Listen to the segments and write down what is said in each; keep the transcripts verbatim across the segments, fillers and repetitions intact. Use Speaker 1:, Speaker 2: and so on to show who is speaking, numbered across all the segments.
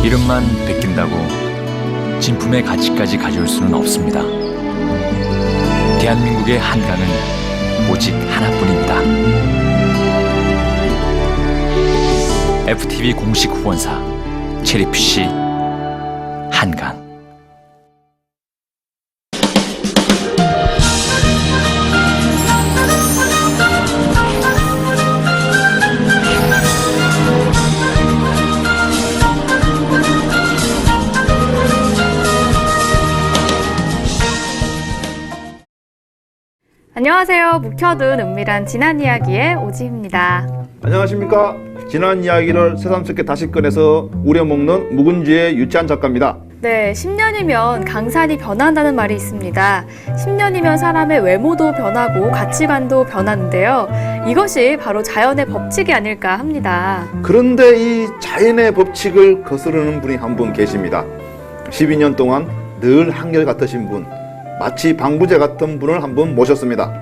Speaker 1: 이름만 베낀다고 진품의 가치까지 가져올 수는 없습니다. 대한민국의 한강은 오직 하나뿐입니다. 에프티비 공식 후원사 체리피쉬 한강.
Speaker 2: 안녕하세요. 묵혀둔 은밀한 지난 이야기의 오지입니다.
Speaker 3: 안녕하십니까. 지난 이야기를 새삼스럽게 다시 꺼내서 우려먹는 묵은지의 유치한 작가입니다.
Speaker 2: 네, 십 년이면 강산이 변한다는 말이 있습니다. 십 년이면 사람의 외모도 변하고 가치관도 변하는데요. 이것이 바로 자연의 법칙이 아닐까 합니다.
Speaker 3: 그런데 이 자연의 법칙을 거스르는 분이 한 분 계십니다. 십이 년 동안 늘 한결같으신 분, 마치 방부제 같은 분을 한 분 모셨습니다.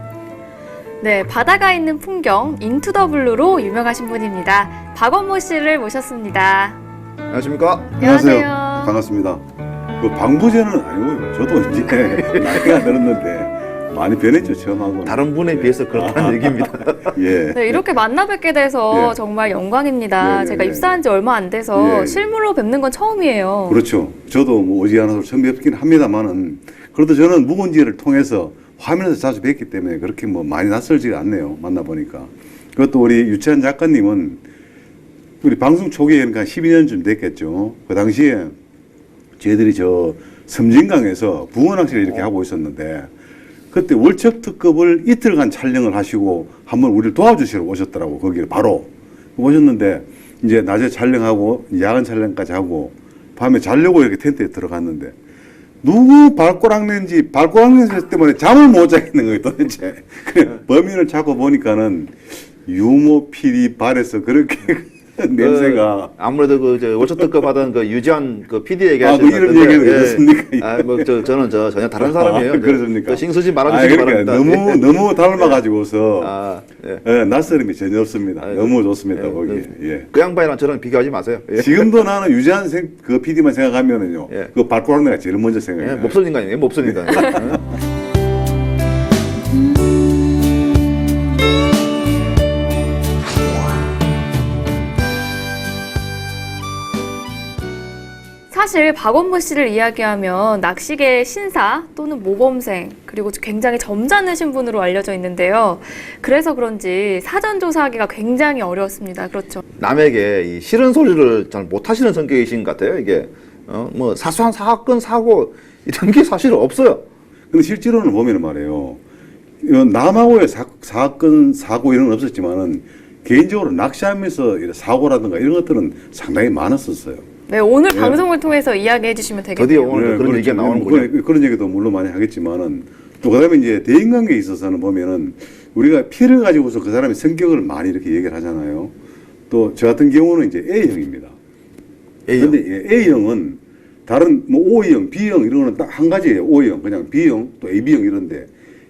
Speaker 2: 네, 바다가 있는 풍경 인투 더 블루로 유명하신 분입니다. 박원모 씨를 모셨습니다.
Speaker 3: 안녕하십니까?
Speaker 2: 안녕하세요.
Speaker 4: 반갑습니다. 그 방부제는 아니고요. 저도 이제 나이가 들었는데 많이 변했죠, 처음하고.
Speaker 3: 다른 분에 비해서 그렇다는 얘기입니다.
Speaker 4: 예.
Speaker 2: 네, 이렇게 만나 뵙게 돼서
Speaker 4: 예.
Speaker 2: 정말 영광입니다.
Speaker 4: 예, 예,
Speaker 2: 제가
Speaker 4: 예.
Speaker 2: 입사한 지 얼마 안 돼서
Speaker 4: 예.
Speaker 2: 실물로 뵙는 건 처음이에요.
Speaker 4: 그렇죠. 저도 뭐 오지 않아서 처음 뵙긴 합니다만은 그래도 저는 묵은지를 통해서 화면에서 자주 뵙기 때문에 그렇게 뭐 많이 낯설지가 않네요. 만나보니까. 그것도 우리 유채한 작가님은 우리 방송 초기에 그러니까 십이 년쯤 됐겠죠. 그 당시에 저희들이 저 섬진강에서 붕어낚시를 이렇게 하고 있었는데 그때 월척 특급을 이틀간 촬영을 하시고 한번 우리를 도와주시러 오셨더라고. 거기를 바로 오셨는데 이제 낮에 촬영하고 야간 촬영까지 하고 밤에 자려고 이렇게 텐트에 들어갔는데 누구 발꼬락낸지 발꼬락낸 때문에 잠을 못 자겠는 거예요 도대체. 그래, 범인을 찾고 보니까는 유모 피디 발에서 그렇게 냄새가.
Speaker 3: 그, 아무래도 그 저 월초특급 받은 그 유지한 그 피디 얘기하시는
Speaker 4: 아, 뭐 이런 얘기는 그렇습니까?
Speaker 3: 아, 뭐 저 저는 저 전혀 다른 사람이에요.
Speaker 4: 아, 그렇습니까?
Speaker 3: 저 싱수지
Speaker 4: 아,
Speaker 3: 말아주시기
Speaker 4: 그러니까
Speaker 3: 바랍니다.
Speaker 4: 너무 너무 닮아가지고서
Speaker 3: 아, 예.
Speaker 4: 예, 낯설음이 전혀 없습니다.
Speaker 3: 아,
Speaker 4: 너무 좋습니다
Speaker 3: 예,
Speaker 4: 거기.
Speaker 3: 그,
Speaker 4: 예.
Speaker 3: 그 양반이랑 저랑 비교하지 마세요. 예.
Speaker 4: 지금도 나는 유지한 생, 그 피디만 생각하면은요.
Speaker 3: 예.
Speaker 4: 그 발꼬락내가 제일 먼저
Speaker 3: 예,
Speaker 4: 생각해요.
Speaker 3: 몹쓸 인간이에요. 몹쓸 인간. 예.
Speaker 2: 사실 박원모 씨를 이야기하면 낚시계의 신사 또는 모범생 그리고 굉장히 점잖으신 분으로 알려져 있는데요. 그래서 그런지 사전 조사하기가 굉장히 어려웠습니다. 그렇죠?
Speaker 3: 남에게 이 싫은 소리를 잘 못하시는 성격이신 것 같아요. 이게 어, 뭐 사소한 사건 사고 이런 게 사실 없어요.
Speaker 4: 근데 실제로는 보면은 말이에요. 이건 남하고의 사, 사건 사고 이런 건 없었지만은 개인적으로 낚시하면서 이런 사고라든가 이런 것들은 상당히 많았었어요.
Speaker 2: 네, 오늘
Speaker 4: 예.
Speaker 2: 방송을 통해서 이야기해 주시면 되겠네요.
Speaker 3: 드디어 오늘 그런
Speaker 4: 그렇죠.
Speaker 3: 얘기가 나오는
Speaker 4: 뭐
Speaker 3: 거죠.
Speaker 4: 그런, 그런 얘기도 물론 많이 하겠지만은 또 그다음에 이제 대인관계에 있어서는 보면은 우리가 피를 가지고서 그 사람의 성격을 많이 이렇게 얘기를 하잖아요. 또 저 같은 경우는 이제 A형입니다.
Speaker 3: A형.
Speaker 4: 근데 A형은 다른 뭐 O형, B형 이런 거는 딱 한 가지예요. O형, 그냥 B형, 또 에이비형 이런데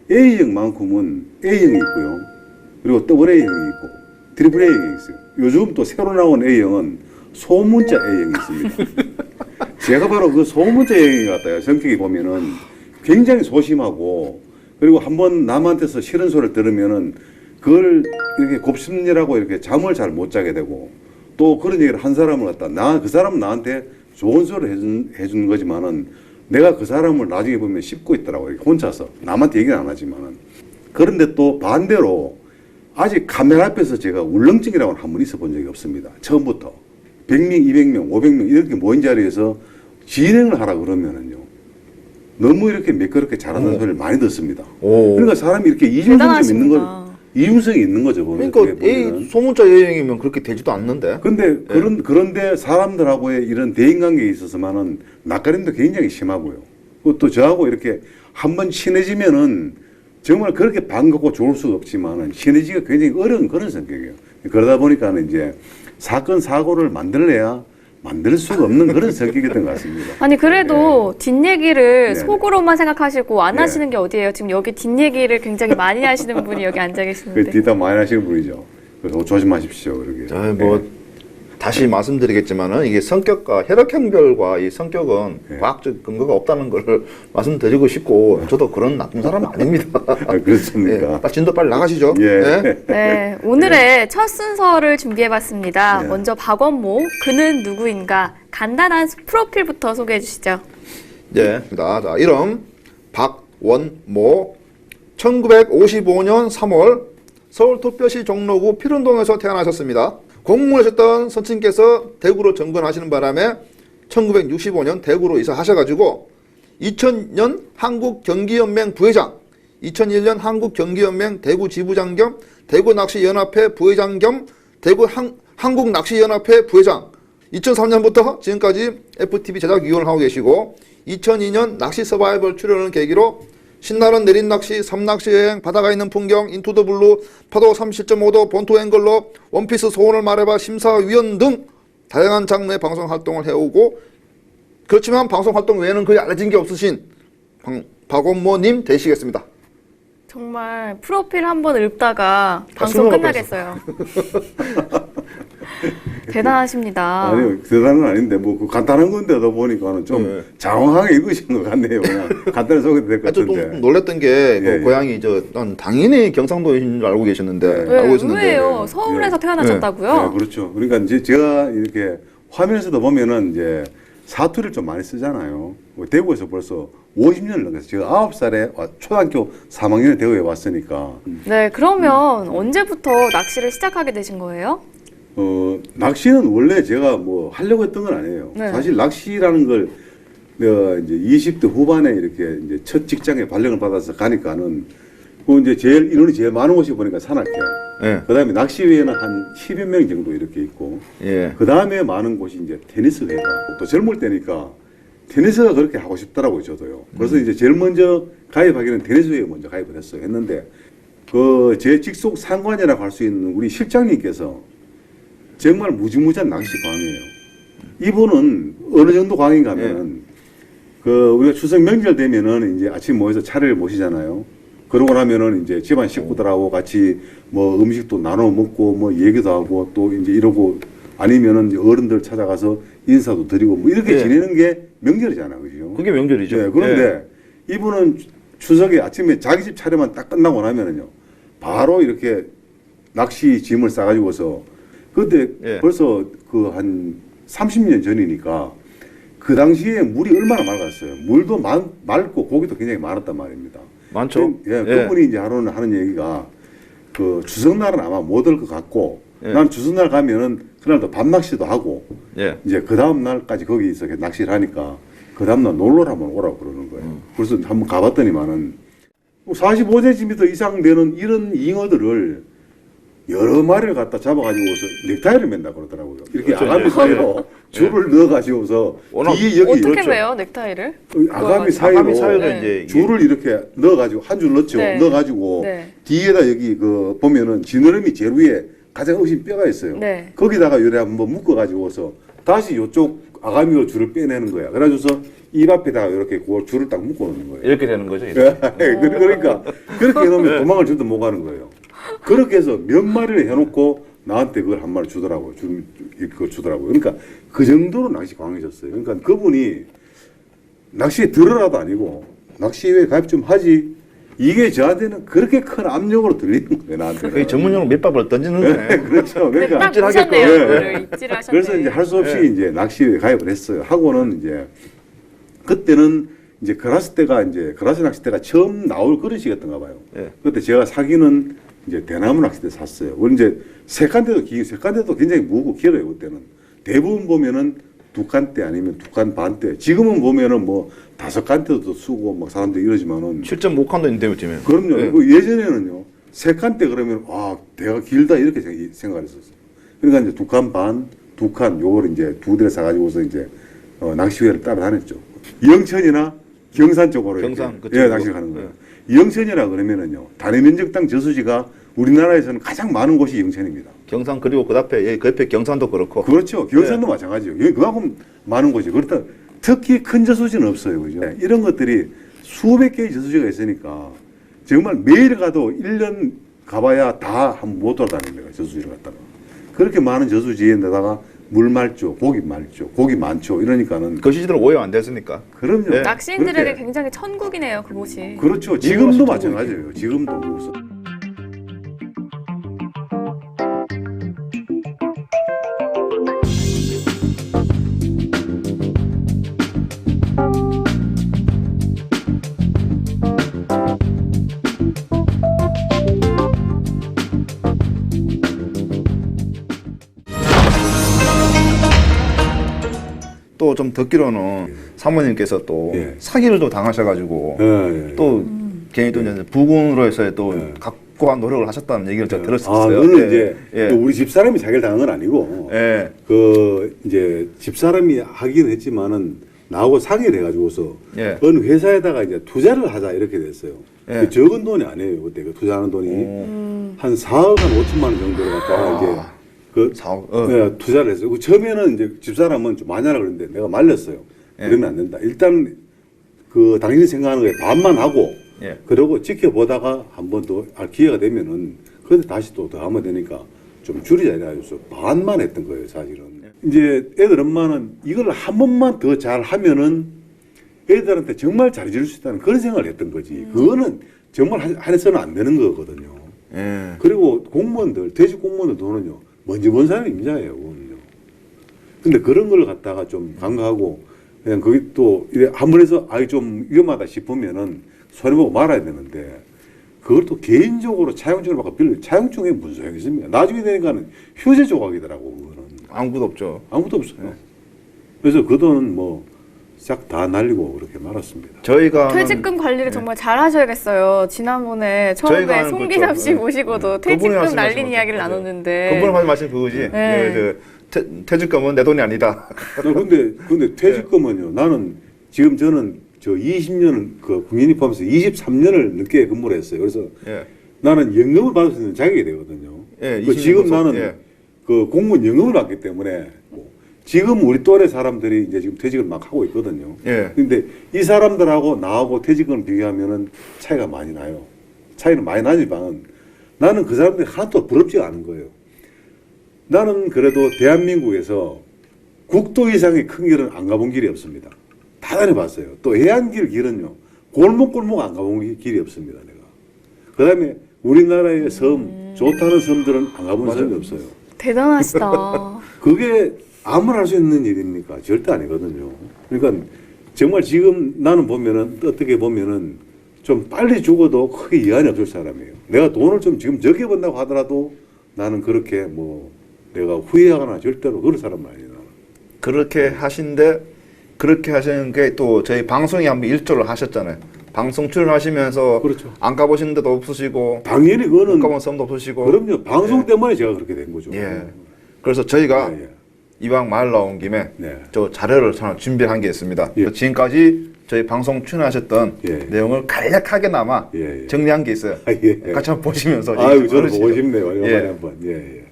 Speaker 4: A형만큼은 A형이 있고요. 그리고 더블 A형이 있고 트리플 A형이 있어요. 요즘 또 새로 나온 A형은 소문자 A형이 있습니다. 제가 바로 그 소문자 A형이 같아요. 성격이 보면은 굉장히 소심하고 그리고 한번 남한테서 싫은 소리를 들으면은 그걸 이렇게 곱씹느라고 이렇게 잠을 잘 못 자게 되고 또 그런 얘기를 한 사람을 갖다 나 그 사람은 나한테 좋은 소리를 해준, 해준 거지만은 내가 그 사람을 나중에 보면 씹고 있더라고요. 이렇게 혼자서. 남한테 얘기는 안 하지만은. 그런데 또 반대로 아직 카메라 앞에서 제가 울렁증이라고는 한 번 있어 본 적이 없습니다. 처음부터. 백 명, 이백 명, 오백 명 이렇게 모인 자리에서 진행을 하라 그러면은요. 너무 이렇게 매끄럽게 잘하는
Speaker 3: 오.
Speaker 4: 소리를 많이 듣습니다.
Speaker 3: 오.
Speaker 4: 그러니까 사람이 이렇게 이중성이 있는 거,
Speaker 2: 대단하십니다.
Speaker 4: 이중성이 있는 거죠. 보면
Speaker 3: 그러니까 A
Speaker 4: 보면은.
Speaker 3: 소문자 A형이면 그렇게 되지도 않는데.
Speaker 4: 근데 그런 그런데 사람들하고의 이런 대인관계에 있어서만은 낯가림도 굉장히 심하고요. 또 저하고 이렇게 한번 친해지면은 정말 그렇게 반갑고 좋을 수가 없지만은 친해지기가 굉장히 어려운 그런 성격이에요. 그러다 보니까는 이제 사건 사고를 만들래야 만들 수가 없는 그런 성격이었던 것 같습니다.
Speaker 2: 아니 그래도 뒷얘기를
Speaker 4: 네.
Speaker 2: 속으로만 생각하시고 안
Speaker 4: 네.
Speaker 2: 하시는 게 어디예요? 지금 여기 뒷얘기를 굉장히 많이 하시는 분이 여기 앉아
Speaker 4: 그
Speaker 2: 계시는데.
Speaker 4: 뒷담 많이 하시는 분이죠. 그래서 조심하십시오. 그러게.
Speaker 3: 아, 뭐
Speaker 4: 네.
Speaker 3: 다시 말씀드리겠지만은 이게 성격과 혈액형별과 이 성격은
Speaker 4: 네.
Speaker 3: 과학적 근거가 없다는 걸 말씀드리고 싶고 저도 그런 나쁜 사람 아닙니다.
Speaker 4: 아, 그렇습니까?
Speaker 3: 예, 진도 빨리 나가시죠.
Speaker 4: 예.
Speaker 3: 네.
Speaker 2: 네, 오늘의 첫 순서를 준비해봤습니다.
Speaker 4: 네.
Speaker 2: 먼저 박원모, 그는 누구인가? 간단한 프로필부터 소개해 주시죠.
Speaker 3: 예, 자, 자, 이름 박원모, 천구백오십오 년 삼월 서울 토뼈시 종로구 필운동에서 태어나셨습니다. 공무원하셨던 선친께서 대구로 정근하시는 바람에 천구백육십오 년 대구로 이사하셔가지고 이천 년 한국경기연맹 부회장, 이천일 년 한국경기연맹 대구 지부장 겸 대구낚시연합회 부회장 겸 대구 한, 한국낚시연합회 부회장, 이천삼 년부터 지금까지 에프티비 제작위원을 하고 계시고 이천이 년 낚시 서바이벌 출연을 계기로 신나는 내린 낚시, 섬낚시 여행, 바다가 있는 풍경, 인투 더 블루, 파도 삼십칠 점 오 도, 본토 앵글러, 원피스 소원을 말해봐 심사위원 등 다양한 장르의 방송 활동을 해오고 그렇지만 방송 활동 외에는 거의 알려진 게 없으신 방, 박원모님 되시겠습니다.
Speaker 2: 정말 프로필 한번 읽다가 방송
Speaker 3: 숨어갈
Speaker 2: 끝나겠어요. 대단하십니다.
Speaker 4: 아니요, 대단은 아닌데 뭐 그 간단한 건데도 보니까는 좀
Speaker 3: 네.
Speaker 4: 장황하게 읽으신 것 같네요. 그냥 간단히 소개도 될 것
Speaker 3: 아주 좀
Speaker 4: 같은데.
Speaker 3: 놀랬던 게 그
Speaker 4: 예, 예.
Speaker 3: 고향이 저 난 당연히 경상도인 줄 알고 계셨는데
Speaker 2: 네,
Speaker 3: 알고 있었는데
Speaker 2: 의외예요. 서울에서
Speaker 4: 네.
Speaker 2: 태어나셨다고요?
Speaker 4: 네, 그렇죠. 그러니까 이제 제가 이렇게 화면에서도 보면은 이제 사투리를 좀 많이 쓰잖아요. 뭐 대구에서 벌써 오십 년을 넘겼어요. 제가 아홉 살에 초등학교 삼 학년에 대구에 왔으니까.
Speaker 2: 네, 그러면 언제부터 낚시를 시작하게 되신 거예요?
Speaker 4: 어, 낚시는 원래 제가 뭐 하려고 했던 건 아니에요.
Speaker 2: 네.
Speaker 4: 사실 낚시라는 걸 내가 이제 이십 대 후반에 이렇게 이제 첫 직장에 발령을 받아서 가니까는 그 이제 제일 인원이 제일 많은 곳이 보니까 산악회.
Speaker 3: 예.
Speaker 4: 그 다음에 낚시회에는 한 십여 명 정도 이렇게 있고.
Speaker 3: 예.
Speaker 4: 그 다음에 많은 곳이 이제 테니스회가. 또 젊을 때니까 테니스가 그렇게 하고 싶더라고요, 저도요. 그래서 이제 제일 먼저 가입하기는 테니스회에 먼저 가입을 했어요. 했는데 그 제 직속 상관이라고 할 수 있는 우리 실장님께서 정말 무지무지한 낚시 광이에요. 이분은 어느 정도 광인가 하면은 그 우리가 추석 명절 되면은 이제 아침 모여서 차례를 모시잖아요. 그러고 나면은 이제 집안 식구들하고 같이 뭐 음식도 나눠 먹고 뭐 얘기도 하고 또 이제 이러고 아니면은 이제 어른들 찾아가서 인사도 드리고 뭐 이렇게
Speaker 3: 예.
Speaker 4: 지내는 게 명절이잖아요. 그죠?
Speaker 3: 그게 명절이죠.
Speaker 4: 네, 그런데 이분은 추석에 아침에 자기 집 차례만 딱 끝나고 나면은요. 바로 이렇게 낚시 짐을 싸가지고서 그때
Speaker 3: 예.
Speaker 4: 벌써 그 한 삼십 년 전이니까 그 당시에 물이 얼마나 맑았어요. 물도 많, 맑고 고기도 굉장히 많았단 말입니다.
Speaker 3: 많죠.
Speaker 4: 예,
Speaker 3: 예.
Speaker 4: 그분이 이제 하루는 하는 얘기가 그 추석날은 아마 못 올 것 같고
Speaker 3: 예.
Speaker 4: 난 추석날 가면은 그날도 밤낚시도 하고
Speaker 3: 예.
Speaker 4: 이제 그 다음 날까지 거기서 낚시를 하니까 그 다음 날 놀러 한번 오라고 그러는 거예요.
Speaker 3: 음.
Speaker 4: 그래서 한번 가봤더니만은 사십오 센티미터 이상 되는 이런 잉어들을 여러 마리를 갖다 잡아가지고서 넥타이를 맨다 그러더라고요. 이렇게
Speaker 3: 그렇죠.
Speaker 4: 아가미
Speaker 3: 예.
Speaker 4: 사이로 줄을 넣어가지고서
Speaker 3: 워낙
Speaker 4: 뒤에 여기
Speaker 2: 어떻게
Speaker 3: 그렇죠.
Speaker 2: 매요, 넥타이를?
Speaker 4: 아가미 사이로,
Speaker 3: 아가미 사이로
Speaker 2: 네.
Speaker 3: 이제 이게
Speaker 4: 줄을 이렇게 넣어가지고 한 줄 넣죠.
Speaker 2: 네.
Speaker 4: 넣어가지고
Speaker 2: 네.
Speaker 4: 뒤에다 여기 그 보면은 지느러미 제일 위에 가장 어신 뼈가 있어요.
Speaker 2: 네.
Speaker 4: 거기다가 요래 한번 묶어가지고서 다시 요쪽 아가미로 줄을 빼내는 거야. 그래가지고서 입 앞에다가 이렇게 그 줄을 딱 묶어놓는 거예요.
Speaker 3: 이렇게 되는 거죠. 이렇게.
Speaker 4: 예, 그러니까 그렇게 해놓으면 도망을 저도 못 가는 거예요. 그렇게 해서 몇 마리를 해놓고 나한테 그걸 한 마리 주더라고요. 주, 그걸 주더라고요. 그러니까 그 정도로 낚시 광이셨어요. 그러니까 그분이 낚시에 들어라도 아니고 낚시회에 가입 좀 하지. 이게 저한테는 그렇게 큰 압력으로 들리는 거예요. 나한테.
Speaker 3: 거의 전문용어로 밑밥을 던지는 거네.
Speaker 4: 그렇죠.
Speaker 2: 네,
Speaker 4: 그러니까
Speaker 2: 딱
Speaker 3: 입질하게끔.
Speaker 2: 보셨네요.
Speaker 4: 예.
Speaker 2: 그거를 입질을 하셨네.
Speaker 4: 그래서 이제 할 수 없이
Speaker 3: 네.
Speaker 4: 이제 낚시에 가입을 했어요. 하고는 이제 그때는 이제 그라스 때가 이제 그라스 낚싯대가 처음 나올 그런 시기였던가 봐요.
Speaker 3: 예.
Speaker 4: 그때 제가 사기는 이제 대나무 낚싯대 샀어요. 원래 이제 색간대도 기, 색간대도 굉장히 무겁고 길어요. 그때는 대부분 보면은 두 칸대 아니면 두 칸 반대. 지금은 보면은 뭐 다섯 칸대도 쓰고 막 사람들이 이러지만은
Speaker 3: 칠 점 오 칸도 있는데 요즘에.
Speaker 4: 그럼요.
Speaker 3: 예.
Speaker 4: 그 예전에는요. 세 칸대 그러면 아 대가 길다 이렇게 생- 생각을 했었어요. 그러니까 이제 두 칸 반, 두 칸 요걸 이제 두 대를 사가지고서 이제 어, 낚시회를 따라다녔죠. 영천이나 경산 쪽으로
Speaker 3: 경산,
Speaker 4: 이렇게,
Speaker 3: 그쪽으로.
Speaker 4: 예, 낚시를 가는 거예요. 영천이라 그러면은요. 단위 면적당 저수지가 우리나라에서는 가장 많은 곳이 영천입니다.
Speaker 3: 경산 그리고 그 앞에 예, 그 옆에 경산도 그렇고.
Speaker 4: 그렇죠. 경산도 마찬가지예요. 여기 그만큼 많은 곳이. 그렇다 특히 큰 저수지는 없어요. 그죠? 이런 것들이 수백 개의 저수지가 있으니까 정말 매일 가도 일 년 가봐야 다 한 번 못 돌아다닙니다. 저수지를 갖다가. 그렇게 많은 저수지에다가 물 맑죠, 고기 맑죠, 고기 많죠. 이러니까는
Speaker 3: 그 시절은 오염 안 됐으니까.
Speaker 4: 그럼요.
Speaker 3: 네.
Speaker 2: 낚시인들에게
Speaker 4: 그렇게.
Speaker 2: 굉장히 천국이네요, 그곳이.
Speaker 4: 그렇죠. 지금도 마찬가지예요. 지금도 무슨
Speaker 3: 또 좀 듣기로는 사모님께서 또
Speaker 4: 예.
Speaker 3: 사기를 또 당하셔가지고
Speaker 4: 예, 예.
Speaker 3: 또 괜히 또 이제 부군으로 해서 또
Speaker 4: 예.
Speaker 3: 각고한 노력을 하셨다는 얘기를 제가
Speaker 4: 아,
Speaker 3: 들었었어요.
Speaker 4: 그거는
Speaker 3: 예.
Speaker 4: 이제
Speaker 3: 예.
Speaker 4: 또 우리 집사람이 자기를 당한 건 아니고
Speaker 3: 예.
Speaker 4: 그 이제 집사람이 하긴 했지만은 나하고 상의를 해가지고서
Speaker 3: 예.
Speaker 4: 어느 회사에다가 이제 투자를 하자 이렇게 됐어요.
Speaker 3: 예.
Speaker 4: 그 적은 돈이 아니에요. 그때 그 투자하는 돈이
Speaker 2: 음.
Speaker 4: 한 사억 한 오천만 원 정도를 갖다가 이제 그
Speaker 3: 사억, 어.
Speaker 4: 예, 투자를 했어요. 그 처음에는 이제 집사람은 좀 많이 하라 그랬는데 내가 말렸어요.
Speaker 3: 예.
Speaker 4: 그러면 안 된다. 일단 그 당신이 생각하는 거에 반만 하고
Speaker 3: 예.
Speaker 4: 그러고 지켜보다가 한 번 더 기회가 되면은 그때 다시 또 더 하면 되니까 좀 줄이자 이래가지고 반만 했던 거예요, 사실은. 이제 애들 엄마는 이걸 한 번만 더 잘 하면은 애들한테 정말 잘해줄 수 있다는 그런 생각을 했던 거지. 그거는 정말 하- 해서는 안 되는 거거든요.
Speaker 3: 예.
Speaker 4: 그리고 공무원들, 퇴직 공무원들 돈은요, 먼지 먼 사람이 임자예요, 그거는요. 근데 그런 걸 갖다가 좀 간과하고, 그냥 거기 또, 이래 한 번 해서, 아이, 좀 위험하다 싶으면은 손해보고 말아야 되는데, 그걸 또 개인적으로 차용증을 받고 빌려, 차용증에 무슨 소용이 있습니까? 나중에 되니까는 휴재 조각이더라고, 그거는.
Speaker 3: 아무것도 없죠.
Speaker 4: 아무것도 없어요. 그래서 그 돈은 뭐, 싹 다 날리고 그렇게 말았습니다.
Speaker 3: 저희가
Speaker 2: 퇴직금 관리를 정말 잘 하셔야겠어요. 지난번에 처음에
Speaker 3: 저희가 하는
Speaker 2: 송기섭
Speaker 3: 거죠.
Speaker 2: 씨
Speaker 3: 네.
Speaker 2: 모시고도
Speaker 3: 그분이
Speaker 2: 퇴직금
Speaker 3: 말씀하신
Speaker 2: 날린
Speaker 3: 거죠.
Speaker 2: 이야기를
Speaker 3: 네.
Speaker 2: 나눴는데.
Speaker 3: 그분은 하는 말씀 그거지.
Speaker 2: 네.
Speaker 3: 예, 그 퇴, 퇴직금은 내 돈이 아니다.
Speaker 4: 나 근데 근데 퇴직금은요. 나는 지금 저는 저 이십 년 그 국민이 포함해서 이십삼 년을 늦게 근무를 했어요. 그래서
Speaker 3: 예.
Speaker 4: 나는 연금을 받을 수 있는 자격이 되거든요.
Speaker 3: 예,
Speaker 4: 그
Speaker 3: 이십 년
Speaker 4: 지금
Speaker 3: 근속,
Speaker 4: 나는
Speaker 3: 예.
Speaker 4: 그 공무원 연금을 받기 때문에 뭐 지금 우리 또래 사람들이 이제 지금 퇴직을 막 하고 있거든요.
Speaker 3: 예.
Speaker 4: 근데 이 사람들하고 나하고 퇴직금을 비교하면은 차이가 많이 나요. 차이는 많이 나지만 나는 그 사람들이 하나도 부럽지가 않은 거예요. 나는 그래도 대한민국에서 국도 이상의 큰 길은 안 가본 길이 없습니다. 다 다녀봤어요. 또 해안길 길은요. 골목골목 안 가본 기- 길이 없습니다. 내가. 그 다음에 우리나라의 섬, 좋다는 섬들은 안 가본 섬이 없어요.
Speaker 2: 대단하시다.
Speaker 4: 그게 아무나 할 수 있는 일입니까? 절대 아니거든요. 그러니까 정말 지금 나는 보면은 어떻게 보면은 좀 빨리 죽어도 크게 이한이 없을 사람이에요. 내가 돈을 좀 지금 적게 번다고 하더라도 나는 그렇게 뭐 내가 후회하거나 절대로 그런 사람은 아니에요. 나는.
Speaker 3: 그렇게 하신데 그렇게 하시는 게 또 저희 방송에 한번 일조를 하셨잖아요. 방송 출연하시면서
Speaker 4: 그렇죠.
Speaker 3: 안 가보신 데도 없으시고
Speaker 4: 당연히
Speaker 3: 못
Speaker 4: 그거는
Speaker 3: 가본 섬도 없으시고
Speaker 4: 그럼요. 방송
Speaker 3: 예.
Speaker 4: 때문에 제가 그렇게 된 거죠.
Speaker 3: 예. 그래서 저희가
Speaker 4: 예, 예.
Speaker 3: 이왕 말 나온 김에
Speaker 4: 네.
Speaker 3: 저 자료를 하나 준비한 게 있습니다.
Speaker 4: 예.
Speaker 3: 지금까지 저희 방송 출연하셨던
Speaker 4: 예.
Speaker 3: 내용을 간략하게나마
Speaker 4: 예, 예.
Speaker 3: 정리한 게 있어요.
Speaker 4: 아, 예.
Speaker 3: 같이 한번 보시면서
Speaker 4: 아유,
Speaker 3: 얘기 좀
Speaker 4: 저는 보고
Speaker 3: 나누시죠.
Speaker 4: 싶네요. 오랜만에
Speaker 3: 예.
Speaker 4: 한번. 예, 예.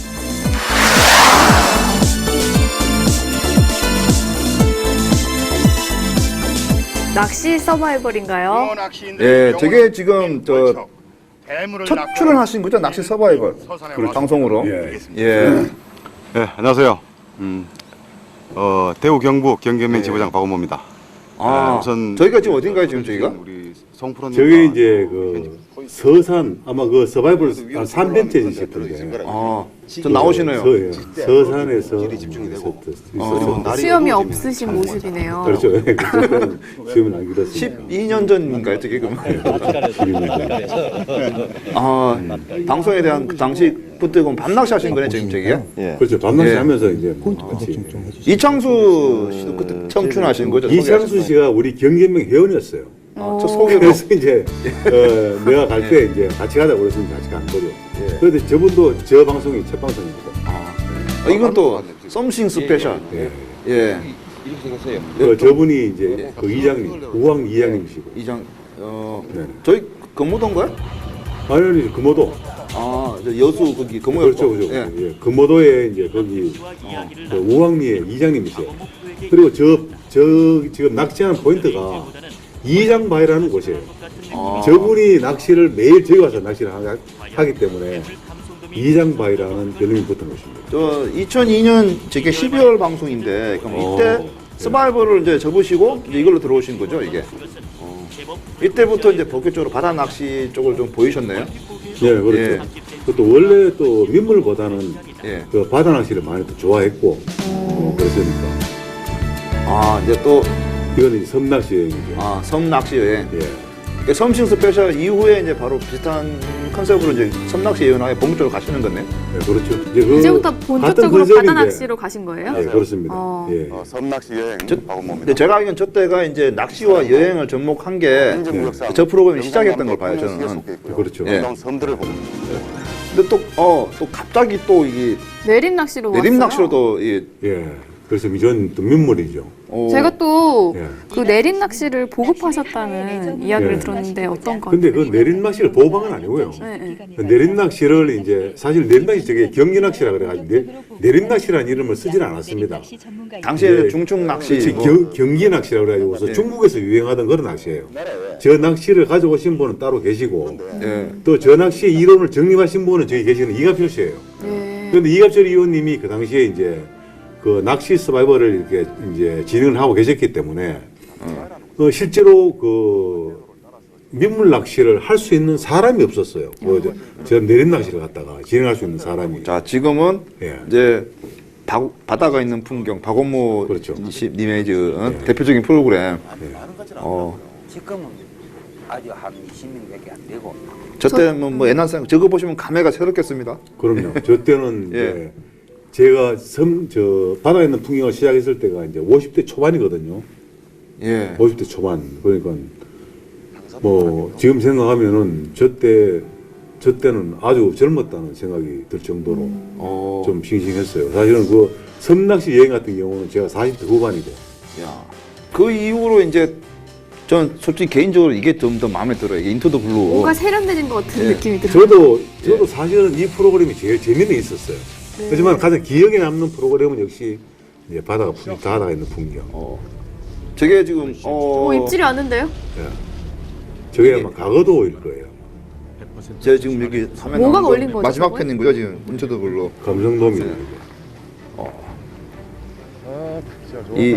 Speaker 2: 낚시 서바이벌인가요?
Speaker 3: 예, 저게 지금 저 첫 출연하신 거죠? 낚시 서바이벌 방송으로.
Speaker 4: 예.
Speaker 3: 예.
Speaker 5: 네, 안녕하세요. 음, 어, 대구 경북 경기연맹 지부장 박원모입니다.
Speaker 3: 아,
Speaker 5: 네, 우선
Speaker 3: 저희가 지금 어딘가요, 지금 저희가?
Speaker 5: 우리 송프로님
Speaker 4: 저게 이제 그 서산 아마 그 서바이벌 한 삼 편째 있을 텐데.
Speaker 3: 아, 저 나오시네요.
Speaker 4: 서, 예. 서산에서
Speaker 5: 어,
Speaker 2: 수염이 없으신 모습이네요.
Speaker 4: 그렇죠. 수염은 안 길었어요.
Speaker 3: 십이 년 전인가요, 저게 그럼? 아, 방송에 대한 그 당시 그때 그럼 밤낚시 하신 거네, 지금 저기요?
Speaker 4: 그렇죠. 밤낚시
Speaker 3: 예.
Speaker 4: 하면서 이제 같이.
Speaker 3: 이창수 씨도 그때 처음 출연하신 거죠?
Speaker 4: 이창수 씨가 우리 경기연맹 회원이었어요.
Speaker 3: 아, 저 소개로.
Speaker 4: 그래서 이제 어, 내가 갈 때 이제 같이 가자고 그래서 같이 간 거죠.
Speaker 3: 예.
Speaker 4: 그런데 저분도 저 방송이 첫 방송입니다.
Speaker 3: 아, 이건 또 썸씽 스페셜.
Speaker 4: 예.
Speaker 3: 예.
Speaker 4: 그 저분이 이제 그 이장님, 우왕 이장님이시고.
Speaker 3: 이장 어
Speaker 4: 네.
Speaker 3: 저희 금호동가요?
Speaker 4: 아니, 아니, 금호도.
Speaker 3: 아, 저 여수 거기 금호
Speaker 4: 그렇죠, 그렇죠.
Speaker 3: 예.
Speaker 4: 예. 금호도에 이제 거기 어, 그 우왕리의 이장님이세요. 그리고 저, 저 지금 낚시하는 포인트가 이장바위라는 곳이에요.
Speaker 3: 아.
Speaker 4: 저분이 낚시를 매일 저기 와서 낚시를 하, 하기 때문에 이장바위라는 별명이 붙은 것입니다.
Speaker 3: 저 이천이 년 저게 십이월 방송인데 그럼 이때
Speaker 4: 어,
Speaker 3: 서바이벌을 이제 접으시고 이제 이걸로 들어오신 거죠 이게. 어. 이때부터 이제 본격적으로 바다 낚시 쪽을 좀 보이셨네요.
Speaker 4: 예, 그렇죠.
Speaker 3: 예.
Speaker 4: 그것도 원래 또 민물보다는
Speaker 3: 예.
Speaker 4: 그 바다 낚시를 많이 또 좋아했고 어, 그랬으니까
Speaker 3: 아 이제 또
Speaker 4: 이거는 이제 섬낚시 여행이죠.
Speaker 3: 아, 섬 낚시 여행.
Speaker 4: 예.
Speaker 3: 그러니까 섬싱 스페셜 이후에 이제 바로 비슷한 컨셉으로 이제 섬 낚시 여행하게 본격적으로 가시는 거네.
Speaker 4: 예, 그렇죠. 이제 그
Speaker 2: 이제부터
Speaker 4: 같은
Speaker 2: 본격적으로
Speaker 4: 컨셉인데,
Speaker 2: 바다 낚시로 가신 거예요?
Speaker 4: 예, 그렇습니다.
Speaker 2: 어.
Speaker 4: 예.
Speaker 5: 어, 섬낚시 여행
Speaker 3: 저,
Speaker 5: 박원모입니다.
Speaker 3: 근데 제가 알기로는 저 때가 이제 낚시와 여행을 접목한 게 저 프로그램이 시작했던 걸 봐요, 저는.
Speaker 4: 그렇죠.
Speaker 3: 예.
Speaker 5: 아름다운 섬들을 보고
Speaker 3: 근데 또, 어, 또 갑자기 또 이게
Speaker 2: 내림 낚시로 왔어요.
Speaker 3: 내림 낚시로 또, 이,
Speaker 4: 예. 그래서 이전 또 민물이죠.
Speaker 3: 어,
Speaker 2: 제가 또
Speaker 4: 예.
Speaker 2: 그 내림 낚시를 보급하셨다는 이야기를
Speaker 4: 예.
Speaker 2: 들었는데 어떤 건?
Speaker 4: 근데 그 내린 낚시를 보호한 건 아니고요.
Speaker 2: 네, 네.
Speaker 4: 그 내린 낚시를 이제 사실 내린 낚시 저게 경기 낚시라 그래가지고 내, 내린 낚시라는 이름을 쓰질 않았습니다.
Speaker 3: 당시에
Speaker 4: 예.
Speaker 3: 중충 낚시.
Speaker 4: 그렇지,
Speaker 3: 뭐,
Speaker 4: 경, 경기 낚시라 그래가지고서
Speaker 3: 예.
Speaker 4: 중국에서 유행하던 그런 낚시예요. 저 낚시를 가져오신 분은 따로 계시고
Speaker 3: 예.
Speaker 4: 또 저 낚시의 이론을 정립하신 분은 저기 계시는 이갑철 씨예요.
Speaker 2: 네.
Speaker 4: 그런데 이갑철 의원님이 그 당시에 이제 그 낚시 서바이벌을 이렇게 이제 진행을 하고 계셨기 때문에 어, 실제로 그 민물 낚시를 할 수 있는 사람이 없었어요. 뭐 저, 저 내린 낚시를 갖다가 진행할 수 있는 사람이.
Speaker 3: 자, 지금은
Speaker 4: 예.
Speaker 3: 이제 바, 바다가 있는 풍경, 박원모
Speaker 4: 그렇죠.
Speaker 3: 씨- 님의 저, 어,
Speaker 4: 예.
Speaker 3: 대표적인 프로그램.
Speaker 4: 예.
Speaker 3: 어,
Speaker 6: 지금은 아주 한 이십 명밖에 안 되고
Speaker 3: 저 때는 뭐 옛날 생각, 저거 보시면 감회가 새롭겠습니다.
Speaker 4: 그럼요. 저 때는
Speaker 3: 예.
Speaker 4: 이제 제가 섬 저 바다에 있는 풍경을 시작했을 때가 이제 오십 대 초반이거든요.
Speaker 3: 예.
Speaker 4: 오십 대 초반. 그러니까 뭐 지금 생각하면은 저때 저 때는 아주 젊었다는 생각이 들 정도로
Speaker 3: 어,
Speaker 4: 좀 싱싱했어요. 사실은 그 섬낚시 여행 같은 경우는 제가 사십 대 후반이고
Speaker 3: 야. 그 이후로 이제 전 솔직히 개인적으로 이게 좀 더 마음에 들어요. 이게 인투 더 블루.
Speaker 2: 뭔가 세련되진 것 같은
Speaker 3: 예.
Speaker 2: 느낌이 들어요.
Speaker 4: 저도 저도 사실은 이 프로그램이 제일 재미는 있었어요. 하지만 가장 기억에 남는 프로그램은 역시 이제 바다가 풍, 바다가 있는 풍경.
Speaker 3: 어. 저게 지금 어,
Speaker 2: 어, 입질이 왔는데요?
Speaker 4: 예. 저게 아마 과거도일 거예요.
Speaker 3: 제가 지금 여기 화면
Speaker 2: 뭐가
Speaker 3: 나오는 거
Speaker 2: 걸린 거죠,
Speaker 3: 마지막
Speaker 2: 저거에?
Speaker 3: 편인 거죠 지금 인투 더 블루.
Speaker 4: 감성돔이에요.
Speaker 3: 이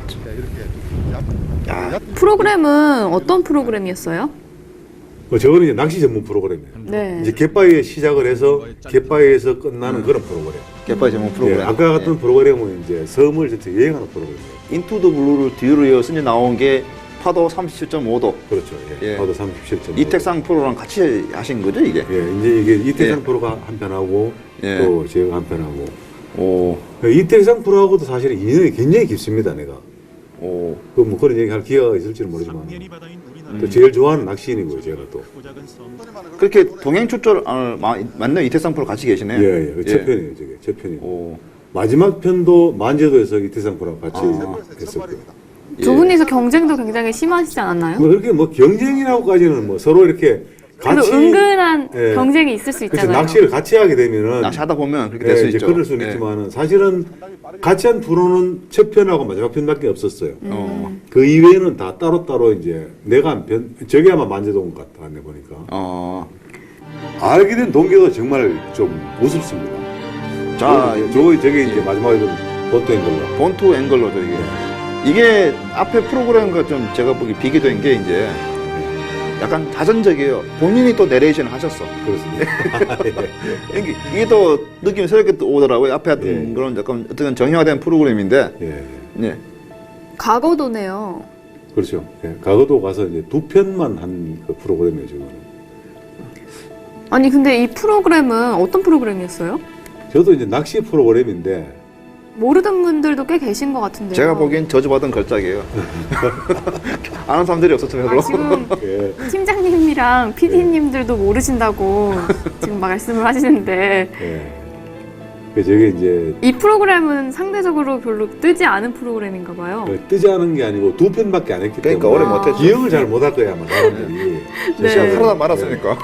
Speaker 3: 야,
Speaker 2: 프로그램은 어떤 프로그램이었어요?
Speaker 4: 뭐 저거는 이제 낚시 전문 프로그램이에요.
Speaker 2: 네.
Speaker 4: 이제 갯바위에 시작을 해서 갯바위에서 끝나는 그런 프로그램.
Speaker 3: 개파이 제목 프로그램.
Speaker 4: 예, 아까 같은 프로그램은 이제 섬을 전체 여행하는 프로그램이에요.
Speaker 3: 인투 더 블루를 뒤로 이어서 이제 나온 게 파도 삼십칠 점 오 도.
Speaker 4: 그렇죠. 예.
Speaker 3: 예.
Speaker 4: 파도 삼십칠 점.
Speaker 3: 이택상 프로랑 같이 하신 거죠 이게?
Speaker 4: 예, 이제 이게 이태상
Speaker 3: 예.
Speaker 4: 프로가 한 편하고
Speaker 3: 예.
Speaker 4: 또 제가 한 편하고.
Speaker 3: 오,
Speaker 4: 이태상 프로하고도 사실 인연이 굉장히 깊습니다, 내가.
Speaker 3: 오.
Speaker 4: 그 뭐 그런 얘기 할 기회가 있을지는 모르지만 또 제일 좋아하는 낚시인이고요, 제가 또.
Speaker 3: 그렇게 동행 출조를 아, 마- 맞네 이택상 프로 같이 계시네요.
Speaker 4: 예, 예. 첫 편이에요, 저게. 첫 편이고.
Speaker 3: 오,
Speaker 4: 마지막 편도 만제도에서 이태상 프로랑 같이
Speaker 3: 아.
Speaker 4: 했었고요.
Speaker 2: 두 분이서 경쟁도 굉장히 심하시지 않았나요?
Speaker 4: 뭐 그렇게 뭐 경쟁이라고까지는 뭐 서로 이렇게
Speaker 2: 그래도
Speaker 4: 같이
Speaker 2: 은근한
Speaker 4: 예.
Speaker 2: 경쟁이 있을 수
Speaker 4: 그렇죠.
Speaker 2: 있잖아요.
Speaker 4: 낚시를 같이 하게 되면은
Speaker 3: 낚시하다 보면 그렇게
Speaker 4: 예,
Speaker 3: 될 수
Speaker 4: 이제
Speaker 3: 있죠.
Speaker 4: 그럴 수는
Speaker 3: 예.
Speaker 4: 있지만은 사실은 같이 한 프로는 첫 편하고 마지막 편밖에 없었어요.
Speaker 3: 어,
Speaker 4: 그 이외에는 다 따로따로 이제 내가 한 편, 저게 아마 만제동 같다, 안 보니까.
Speaker 3: 어.
Speaker 4: 알게 된 동기가 정말 좀 우습습니다.
Speaker 3: 자,
Speaker 4: 저, 저 저게 이제 마지막에 좀 보통인 걸로.
Speaker 3: 본투 앵글러죠 이게. 이게 앞에 프로그램과 좀 제가 보기 비교된 게 이제 약간 자전적이에요. 본인이 또 내레이션을 하셨어.
Speaker 4: 그렇습니다.
Speaker 3: 이게, 이게 또 느낌이 새롭게 또 오더라고요. 앞에 했던
Speaker 4: 예.
Speaker 3: 그런 약간 어떤 정형화된 프로그램인데,
Speaker 4: 예,
Speaker 3: 예.
Speaker 2: 과거도네요.
Speaker 4: 그렇죠. 예, 과거도 가서 이제 두 편만 한 그 프로그램이에요, 지금.
Speaker 2: 아니 근데 이 프로그램은 어떤 프로그램이었어요?
Speaker 4: 저도 이제 낚시 프로그램인데
Speaker 2: 모르던 분들도 꽤 계신 것 같은데요.
Speaker 3: 제가 보기엔 저주받은 걸작이에요. 아는 사람들이 없었죠, 별로.
Speaker 2: 아, 지금
Speaker 4: 예,
Speaker 2: 팀장님이랑 피디님들도 모르신다고 지금 말씀을 하시는데
Speaker 4: 예. 그 저게 이제
Speaker 2: 이 프로그램은 상대적으로 별로 뜨지 않은 프로그램인가 봐요.
Speaker 4: 그 뜨지 않은 게 아니고 두 편밖에 안 했기
Speaker 3: 그러니까
Speaker 4: 때문에
Speaker 3: 오래 못했죠.
Speaker 4: 기억을 잘 못할 거야 아마 사람들이.
Speaker 2: 네.
Speaker 3: 시간 살아다 말았으니까.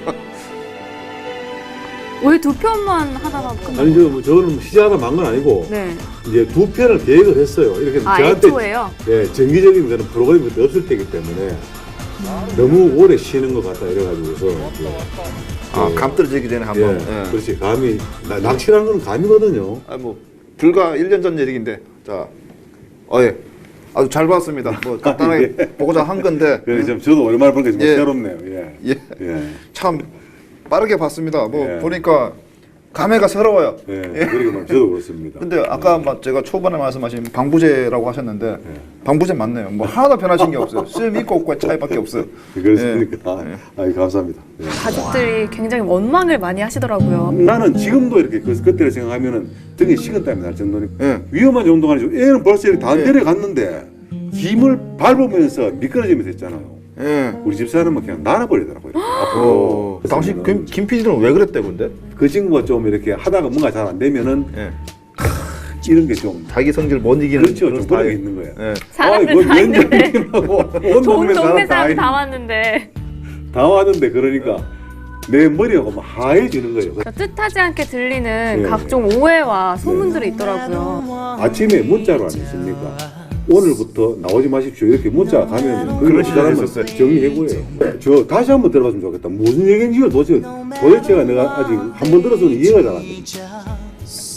Speaker 2: 왜 두 편만 하다가 끝나요?
Speaker 4: 아니 저 뭐 저는 시작하다 만 건 아니고
Speaker 2: 네.
Speaker 4: 이제 두 편을 계획을 했어요. 이렇게
Speaker 2: 아,
Speaker 4: 저한테
Speaker 2: 애초에요?
Speaker 4: 예, 정기적인 그런 프로그램이 그때 없을 때이기 때문에 너무 오래 쉬는 것 같다 이래가지고서 예.
Speaker 3: 아, 감 떨어지기 전에 한번.
Speaker 4: 예,
Speaker 3: 예.
Speaker 4: 그렇지. 감이 나- 낚시라는 건 감이거든요.
Speaker 3: 아, 뭐 불과 일 년 전 얘기인데, 자, 어, 예, 아주 잘 봤습니다. 뭐 간단하게 보고자 한 건데,
Speaker 4: 그래 좀 저도 오랜만에 보니까 좀
Speaker 3: 예.
Speaker 4: 새롭네요. 예.
Speaker 3: 예,
Speaker 4: 예.
Speaker 3: 참 빠르게 봤습니다. 뭐
Speaker 4: 예.
Speaker 3: 보니까 감회가 새로워요.
Speaker 4: 예. 그러니까 저도 그렇습니다.
Speaker 3: 근데 아까 막 제가 초반에 말씀하신 방부제라고 하셨는데 방부제 맞네요. 뭐 하나도 변하신 게 없어요. 쓸 있고 없고의 차이밖에 없어요.
Speaker 4: 그렇습니까?
Speaker 3: 예.
Speaker 4: 아, 아, 감사합니다. 예.
Speaker 2: 가족들이 굉장히 원망을 많이 하시더라고요.
Speaker 4: 나는 지금도 이렇게 그, 그때를 생각하면은 등에 식은땀이 날 정도니까
Speaker 3: 예.
Speaker 4: 위험한 정도가 아니죠. 애는 벌써 이렇게 다
Speaker 3: 예.
Speaker 4: 내려갔는데 힘을 밟으면서 미끄러지면서 했잖아요.
Speaker 3: 예.
Speaker 4: 우리 집사람은 그냥 날아버리더라고요. 앞으로.
Speaker 3: 어, 당시 김, 김 피디는 왜 그랬대 근데?
Speaker 4: 그 친구가 좀 이렇게 하다가 뭔가 잘 안 되면은
Speaker 3: 예.
Speaker 4: 이런 게 좀
Speaker 3: 자기 성질 못 이기는
Speaker 4: 그렇죠. 좀 그런 게
Speaker 3: 스타일.
Speaker 4: 있는 거예요.
Speaker 3: 예.
Speaker 2: 사람들
Speaker 4: 아이,
Speaker 2: 다 있는데
Speaker 4: 웬일이라고 온
Speaker 2: 온
Speaker 4: 동네
Speaker 2: 동네
Speaker 4: 사람 다,
Speaker 2: 사람 다
Speaker 4: 있-
Speaker 2: 왔는데
Speaker 4: 다 왔는데 그러니까 내 머리가 막 하얘지는 거예요.
Speaker 2: 뜻하지 않게 들리는
Speaker 4: 예.
Speaker 2: 각종 오해와 소문들이 있더라고요.
Speaker 4: 아침에 문자로 안 했습니까? 오늘부터 나오지 마십시오. 이렇게 문자 가면
Speaker 3: 그런
Speaker 4: 그
Speaker 3: 시절이
Speaker 4: 사람은
Speaker 3: 있었어요.
Speaker 4: 정리해고예요. 저 다시 한번 들어봤으면 좋겠다. 무슨 얘기인지 도대체 도대체가 내가 아직 한 번 들어서는 이해가 잘 안 돼.